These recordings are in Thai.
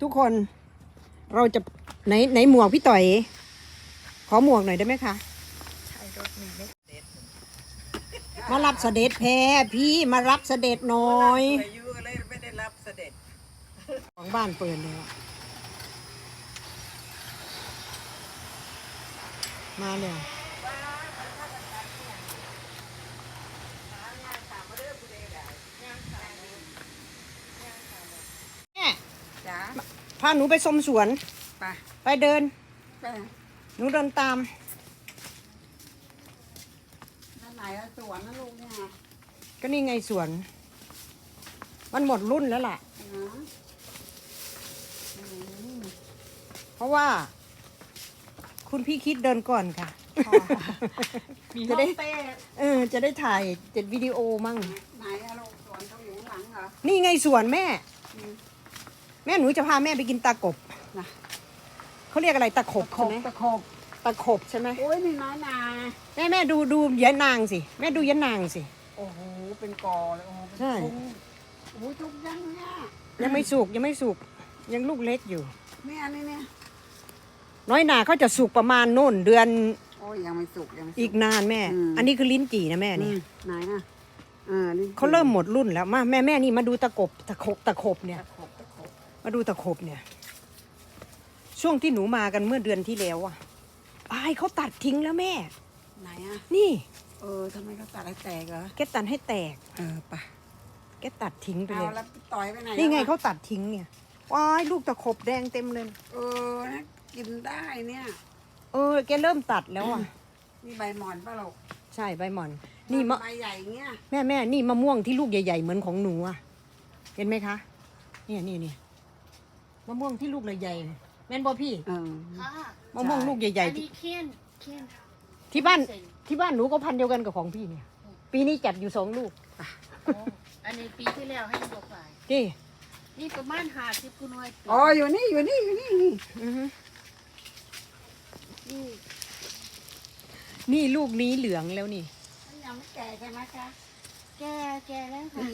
ทุกคนเราจะไหนหมวกพี่ต่อยขอหมวกหน่อยได้ไหมคะมารับเสด็จแพ้พี่มารับเสด็จหน่อยไม่ได้รับเสด็จของบ้านเปิดเลยมาเนี่ยแม่พาหนูไปชมสวนไปเดินหนูเดินตามนั่นไหนสวนนะลูกเนี่ยก็นี่ไงสวนมันหมดรุ่นแล้วล่ะเพราะว่าคุณพี่คิดเดินก่อนค่ะจะได้จะได้ถ่ายวิดีโอมั่งไหนอะลูกสวนเขาอยู่หลังเหรอนี่ไงสวนแม่หนูจะพาแม่ไปกินตะกบนะเขาเรียกอะไรตะขบใช่ไหมตะขบใช่ไหมโอ้ยนี่น้อยนาแม่ดูยะนางสิแม่ดูยะนางสิโอ้โหเป็นกอเลยโอ้โหใช่โอ้ยทุกยังเนี่ยยังไม่สุกยังลูกเล็กอยู่เนี่ยนี่เนี่ยน้อยนาเขาจะสุกประมาณโน่นเดือนโอ้ยยังไม่สุกอีกนานแม่อันนี้คือลิ้นจี่นะแม่นี่ไหนนะเขาเริ่มหมดรุ่นแล้วมาแม่นี่มาดูตะขบเนี่ยมาดูตะขบเนี่ยช่วงที่หนูมากันเมื่อเดือนที่แล้วอ่ะเขาตัดทิ้งแล้วแม่ไหนอ่ะนี่ทำไมเขาตัดให้แตกเหรอแกตัดให้แตกปะแกตัดทิ้งไปเลยแล้วต่อยไปไหนนี่ไงเขาตัดทิ้งเนี่ยว้ายลูกตะขบแดงเต็มเลยนะกินได้เนี่ยแกเริ่มตัดแล้วอ่ะนี่ใบหม่อนป่ะลูกใช่ใบหม่อนนี่ใบใหญ่เงี้ยแม่นี่มะม่วงที่ลูกใหญ่ๆเหมือนของหนูอ่ะเห็นไหมคะนี่มะม่วงที่ลูกใหญ่ๆแม่นบ่พี่มะม่วงลูกใหญ่ๆที่บ้านหนูก็พันเดียวกันกับของพี่เนี่ยปีนี้จัดอยู่2 ลูกอันนี้ปีที่แล้วให้ดอกหลายนี่ประมาณ50กุนวยอยู่นี่นี่ลูกนี้เหลืองแล้วนี่ยังไม่แก่ใช่ไหมคะแก่แล้วค่ะ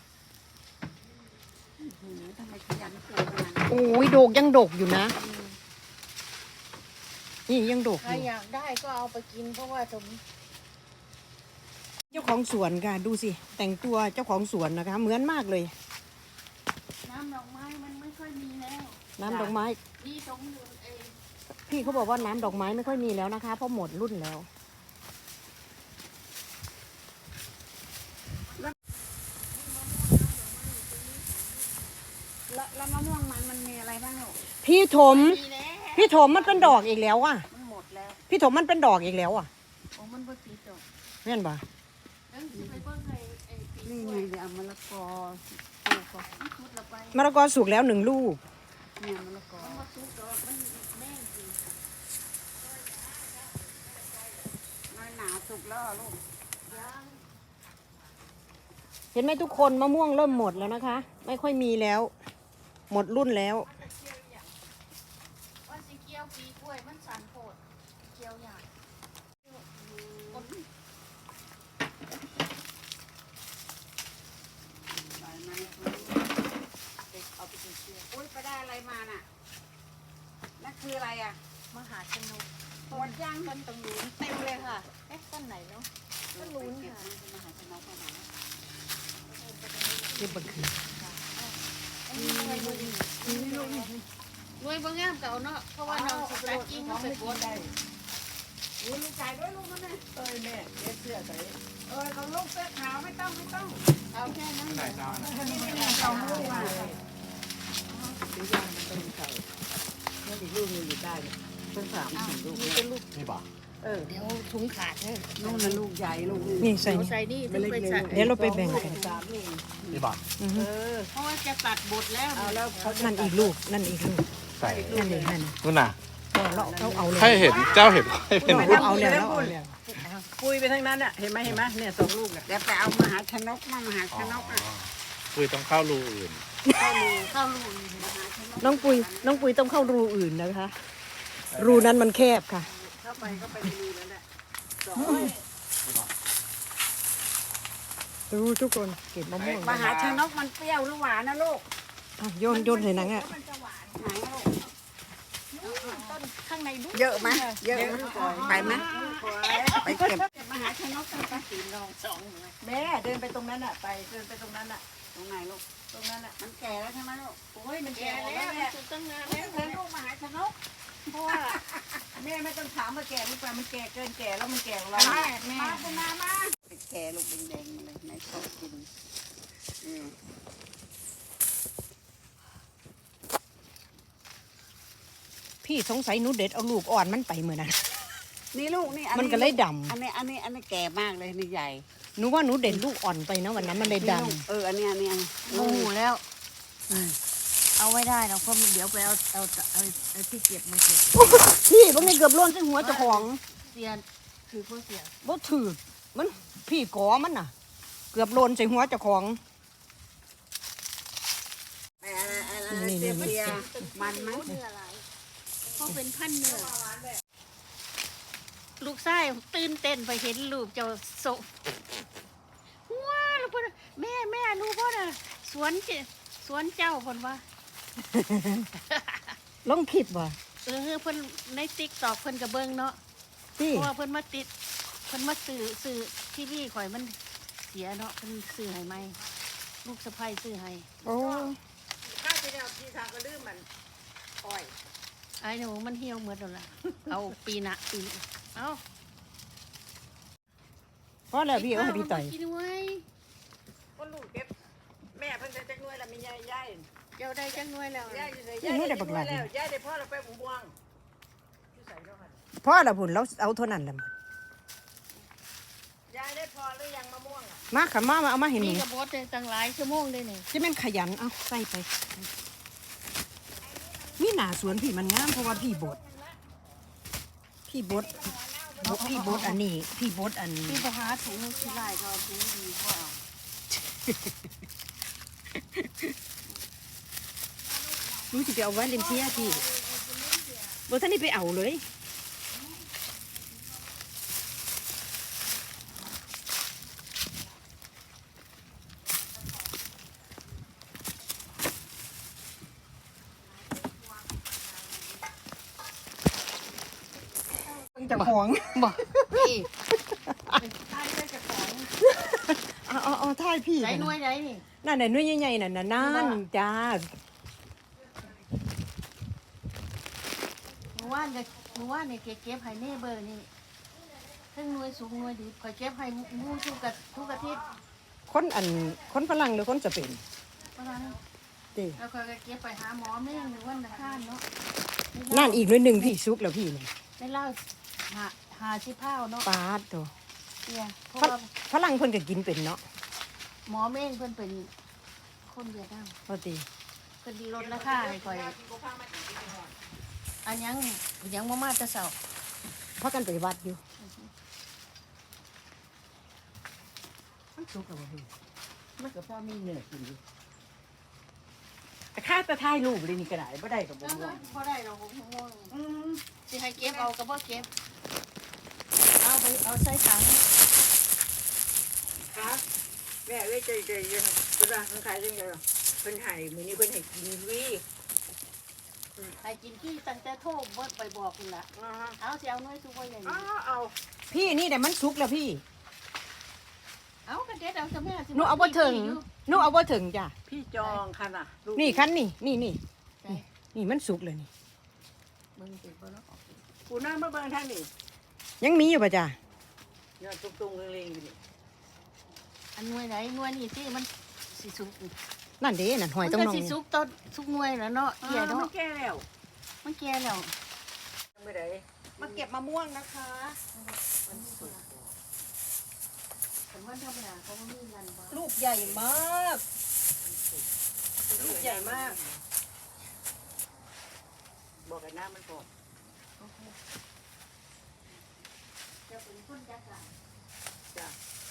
ทำไมขยันปลูกขนาดนี้โอ้ยโดกยังดกอยู่นะนี่ยังดกใครอยากได้ก็เอาไปกินเพราะว่าเจ้าของสวนค่ะดูสิแต่งตัวเจ้าของสวนนะคะเหมือนมากเลยน้ำดอกไม้มันไม่ค่อยมีแล้วน้ำดอกไม้นี่ตรงนู้นพี่เขาบอกว่าน้ำดอกไม้ไม่ค่อยมีแล้วนะคะเพราะหมดรุ่นแล้วแล้วมะม่วงมันมีอะไรบ้างลูกพี่ถมมันเป็นดอกอีกแล้วอ่ะมันหมดแล้วพี่ถมมันเป็นดอกอีกแล้วอ่ะมันบ่ติดดอกแม่นป่ะนี่ไงเดี๋ยวเอามะละกอมะละกอสุกแล้ว1 ลูกเนี่ยมะละกอหนาสุกแล้วลูกเห็นไหมทุกคนมะม่วงเริ่มหมดแล้วนะคะไม่ค่อยมีแล้วหมดรุ่นแล้วว่าสิเกี่ยวปีกล้วยมันสั่นโพดเกี่ยวใหญ่อุ้ยไปได้อะไรมาน่ะนั่นคืออะไรอ่ะมหาชนกหมดย่างต้นตรงนู้นเต็มเลยค่ะต้นไหนเนาะต้นนู้นค่ะมหาชนกไหนเก็บบังคือรวยบางงามเก่าเนาะเพราะว่าน้องสุดท้ายกิ้งเขาไปโพสได้ลูกชายด้วยลูกนั่นเลยแม่เสื้อใส่เขาลูกเสื้อขาวไม่ต้องเอาแค่นั้นนี่เราลูกอ่ะซื้อย่างมันเป็นไก่นี่อีกลูกนึงอยู่ได้เป็น3-4 ลูกนี่ป่ะเดี๋ยวถุงขาดเลยนู่นน่ะลูกใหญ่ลูกนี่ใส่นี่ถึงไปใส่เดี๋ยวเราไปแบ่งกันนี่ป่ะเพราะว่าจะตัดบทแล้วนั่นอีกลูกใส่นั่นเองนั่นนู่นน่ะเราเอาเลยให้เห็นเจ้าเห็นให้เป็นพูดเอาแล้วคุยไปทั้งนั้นอ่ะเห็นไหมเนี่ย2 ลูกอ่ะเดี๋ยวไปเอามหาชนกมหาชนกอ่ะคุยต้องเข้ารูอื่นเข้ารูน้องปุยต้องเข้ารูอื่นนะคะรูนั้นมันแคบค่ะเข้าไปก็ไปรูแล้วแหละดูทุกคนเก็บมะม่วงมหาชนกมันเปรี้ยวหรือหวานนะลูกโยนใส่หนังอ่ะางในดูเยอะไหมเยอะไหมไปไหมไปเก็บมหาชนกตั้งแต่สีนองสองแม่เดินไปตรงนั้นอ่ะเดินไปตรงนั้นอ่ะตรงไหนลูกตรงนั้นอ่ะมันแก่แล้วใช่ไหมลูกโอ้ยมันแก่แก่แล้แล้ว วมันแม่สุดตั้งนานแม่แล้วเดินลูกมหาชนกเพราะว่าแม่ไม่ต้องถามว่าแก่หรือเปล่ามันแก่เกินแก่แล้วมันแก่ของเราแม่มาเป็นนามาแก่ลูกแดงๆมาเลยในโต๊ะกินพี่สงสัยหนูเด็ดเอาลูกอ่อนมันไปเหมือนนั้นนี่ลูกนี่มันก็เลยดอันนี้แก่มากเลยนี่ใหญ่ำหนูว่าหนูเด็ดลูกอ่อนไปนะวันนั้นมันเลยดอันนี้โมโหแล้ว เอาไว้ได้เราเพราะเดี๋ยวไปเอาที่เก็บมาเก็บำพี่บ่ไงเกือบโลนใส่หัวเจ้าของเสียคือผู้เสียบ่ถือมันพี่กอมันน่ะ เกือบโลนใส่หัวเจ้าของนี่เสียมันไหมเนื้ออะไรเพราะเป็นพันธุ์เนื้อลูกชายตื่นเต้นไปเห็นลูกเจ้าโซว้าแล้วพ่อแม่รู้พ่อน่ะสวนเจ้าพ่นว่าลองคิดว่าเพิ่นในติ๊กตอกเพิ่นกระเบิงเนาะพี่เพราะว่าเพิ่นมาสื่อที่นี่ข่อยมันเสียเนาะเพิ่นซื้อให้ไหมลูกสะใภ้ซื้อให้โอ้ข้าจะเอาทีทางก็ลืมมันอ้อยไอ้หนูมันเหี่ยวหมดแล้วล่ะ เอาปีเอาเพราะแล้วพี่เอาให้พี่ต่อยกินไว้ก็ลูกเก็บแม่เพิ่งจะจักน้วยแล้วมียายเจ้าได้จังน้อยแล้วยายอยู่ไหนยายได้บักหลานแล้วยายได้พ่อเราไปบุ้งบวงที่ใส่ด้วยกันเพราะละพุ่นเราเอาเท่านั้นแหละยายได้พอหรือยังมะม่วงอ่ะมาค่ะมาเอามาเห็นหมีนูกระบดเลยตั้งหลายชั่วโมงเลยนี่จะแม่นขยันเอาใส่ไปมีหน้าสวนพี่มันงามเพราะว่าพี่บดอันนี้พี่บดอันพี่ไปหาถุงที่ไรก็ถุงดีกว่าหนูสิไปเอาไว้เลนเทียพี่บ่ท่านนี่ไปเอาเลยเจ้าของบอกพี่เอาท่ายพี่ใส่หน่วยไหนนี่นั่นน่ะหน่วยใหญ่ๆนั่นน่ะนั่นจ้าหนูว่าเนี่ยเก็บให้เน่เบอร์นี่ทั้งหน่วยสูงหน่วยดีคอยเก็บให้มูทุกอาทิตย์คนฝรั่งหรือคนจะเป็นเพราะฉะนั้นติแล้วก็เก็บไปหาหมอแม่งหรือว่าตะข้านเนาะนั่นอีกหน่วยหนึ่งพี่ซุกแล้วพี่นี่ได้เล่าหาชิพ้าวเนาะปาดตัวเนี่ยเพราะฝว่าฝรั่งเพิ่นก็กินเป็นเนาะหมอแม่งเพิ่นเป็นคนเวียดนามพอดีเพิ่นลดราคาให้ข่อยอันยังมาแต่เช้าพากันไปวัดอยู่มันซุกแล้วบ่พี่มันก็พ่อมีเนื้อกินอยู่แต่ข้าจะถ่ายรูปเลยนี่ก็ได้บ่ได้ก็บ่ว่าพอได้เราผมง่วงสิให้เก็บเอาก็บ่เก็บเอาใส่ถังครับแม่เว้ยใจยังคุณว่าเขาขายยังไงเพิ่นให้มื้อนี้เพิ่นให้กินวีให้กินขี้ตั้งแต่โทษบ่ไปบอกคุณล่ะเอาสิเอาหน่วยสุกไว้อย่างนี้เอาพี่นี่แต่มันซุกแล้วพี่เอากระเด็ดเอาซะแม่สิหนูเอาบ่ถึงหนูเอาบ่ถึงจ้ะพี่จองคันอ่ะนี่คันนี่นี่มันสุกเลยนี่มึงติดบ่เนาะกูนั่งมาเบิ่งทางนี่ยังมีอยู่ป่ะจ้ะยอดตุ้งๆเล็งๆอยู่นี่อันหน่วยไหนหน่วยนี่ที่มันสิสุกนั่นเด้นั่นหอยมันต้องก็น้องสิสุกต้นสุกหน่วยแล้วเนาะเกี่ยมัเนาะนแก่แล้วมันแก่แล้วไม่ได้มาเก็บมะม่วงนะคะผมว่าธรรมดาเขาบ่มีนั่นบ่ลูกใหญ่มาก ลูกใหญ่มากบอกกันน้ำมันก่อนจะเป็นคนจัดการจ้ะ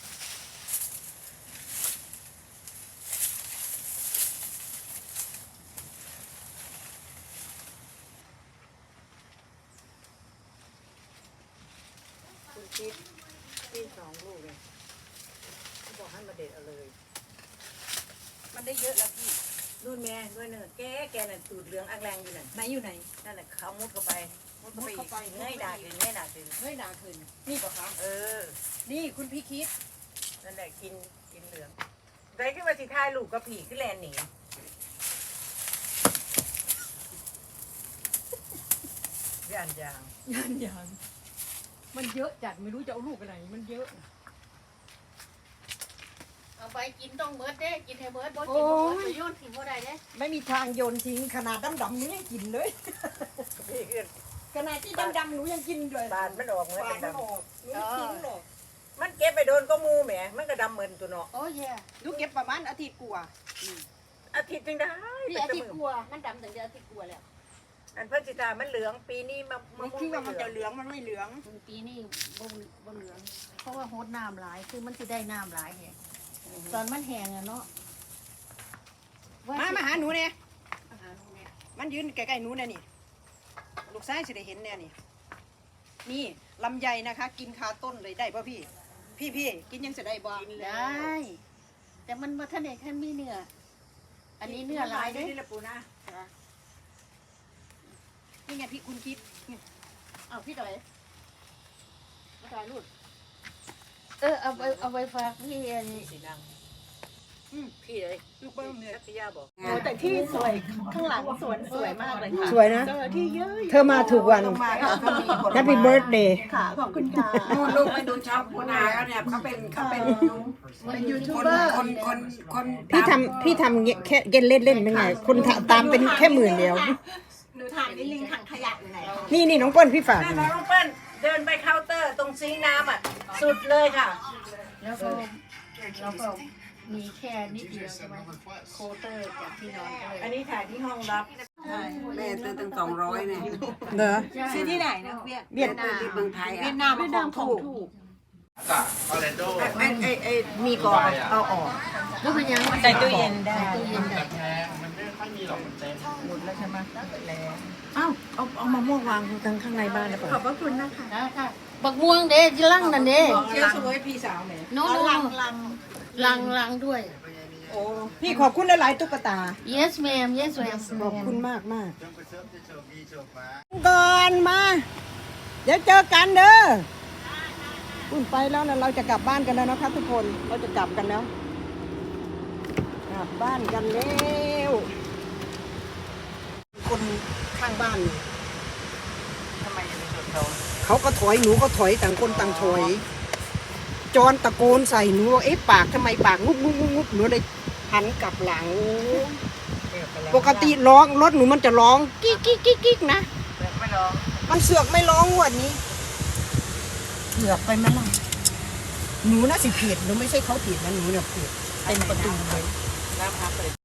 คุณคิดพี่2 ลูกเลยเขาบอกให้มาเด็ดเอาเลยมันได้เยอะแล้วพี่นู่นแม่ด้วยเนื้อแกน่ะตูดเหลืองอักแรงอยู่นั่นไหนอยู่ไหนนั่นแหละเขามุดเข้าไปมุดเข้าไปเงยหน้าขึ้นเงยหน้าขึ้นเฮ้ยหนาขึ้นนี่ป่ะคะเออนี่คุณพี่คิดนั่นแหละกินเหลืองได้ขึ้นมาสิทายลูกกับผีขึ้นแลนหนีย่านยางยันมันเยอะจัดไม่รู้จะเอาลูกไปไหนมันเยอะเอาไปกินต้องเบิดเด้กินให้เบิดบ่กินบ่เบิดไปโยนทิ้งบ่ได้เด้ไม่มีทางโยนทิ้งขนาดดำๆนี่ยังกินเลยพี่ขึ้นขนาดที่ดำๆหนูยังกินเลยบานมันออกเหมือนปาเป็ดนมันดำออกหนูไม่ทิ้งหรอกมันเก็บไปโดนก็มูแหมมันก็ดำเหมือนตัวเนาะโอ้ยลูกเก็บประมาณอาทิตย์กว่าอาทิตย์จึงได้พี่อาทิตย์กลัวมันดำตั้งแต่อาทิตย์กลัวแล้วอันพระจิตามันเหลืองปีนี้มามันคิดว่ามันจะเหลืองมันไม่เหลืองปีนี้บ่เหลืองเพราะว่าโฮดน้ำหลายคือมันสิได้น้ำหลายแฮะตอนมันแห้งอะเนาะมาหาหนูเนี่ยมาหาหนูเนี่ยมันยืนใกล้ๆหนูเนี่ยนี่ลูกชายจะได้เห็นเนี่ยนี่นี่ลำไยนะคะ กินคาต้นเลยได้ป่ะพี่ พี่กินยังจะได้บ่ได้ แต่มันบ่ทันได้คันมีเนื้ออันนี้เนื้อหลายเด้นี่แหละปูนะนี่ไงพี่คุณคิดอ้าวพี่ต่อยมาถ่ายรูปเอาไปฝากพี่อันนี้สีนางพี่เลยลูกเบิ้มเนี่ยทักยาบอกโอ้แต่ที่สวยข้างหลังสวนสวยมากเลยค่ะสวยนะเจอที่เยอะเธอมาถูกวันมาค่ะก็มีผลไม้ Happy birthday ค่ะขอบคุณค่ะลูกไปดูชาวปูนาแล้วเนี่ยเขาเป็นยูทูบเบอร์คนพี่ทำเงี้ยแค่เล่นเป็นไงคนตามเป็นแค่หมื่นเดียวหนูถ่ายนิดนึงถังขยะอยู่ไหนนี่น้องเปิ้ลพี่ฝากนั่นน้องเปิ้ลเดินไปเคาน์เตอร์ตรงซิงค์น้ำอ่ะสุดเลยค่ะแล้วก็มีแค่นิดเดียวใช่ไหมโคเตอร์จากที่นอนก็เลยอันนี้ถ่ายที่ห้องรับแม่ซื้อตั้ง200เนี่ยเหรอซื้อที่ไหนนะเวียดเวียดที่เมืองไทยเวีอ่ะยดนามของถูกมีกรอบเอาออกก็เป็นยังใส่ตู้เย็นได้ใส่ตู้เย็นได้อ้าวเอามะม่วงวางข้างในบ้านแล้วเปล่าขอบพระคุณนะคะได้ค่ะบักม่วงเด้ที่ลังนั่นเด้เจ้าสวยพี่สาวแหมโน้ ลังด้วยโอ้พี่ขอบคุณหลายๆตุ๊กตา yes ma'am yes ma'am ขอบคุณมากก่อนมา เดี๋ยวเจอกันเด้อคุณไปแล้วนะเราจะกลับบ้านกันแล้วนะครับทุกคนเราจะกลับกันแล้วกลับบ้านกันแล้วคนข้างบ้านทำไมยังไม่จดเขาเขาก็ถอยหนูก็ถอยต่างคนต่างถอย จอนตะโกนใส่หนูว่าเอ๊ะปากทำไมปากงุบหนูเลยหันกลับหลัง ปกติร้องรถหนูมันจะร้องกิ๊กนะไม่ร้องมันเสือกไม่ร้องงวันนี้เสือกไปไหมล่ะหนูน่าสิผิดหนูไม่ใช่เขาผิดนะหนูเนี่ยผิดเต็มประตูเลยน้ำพักเลย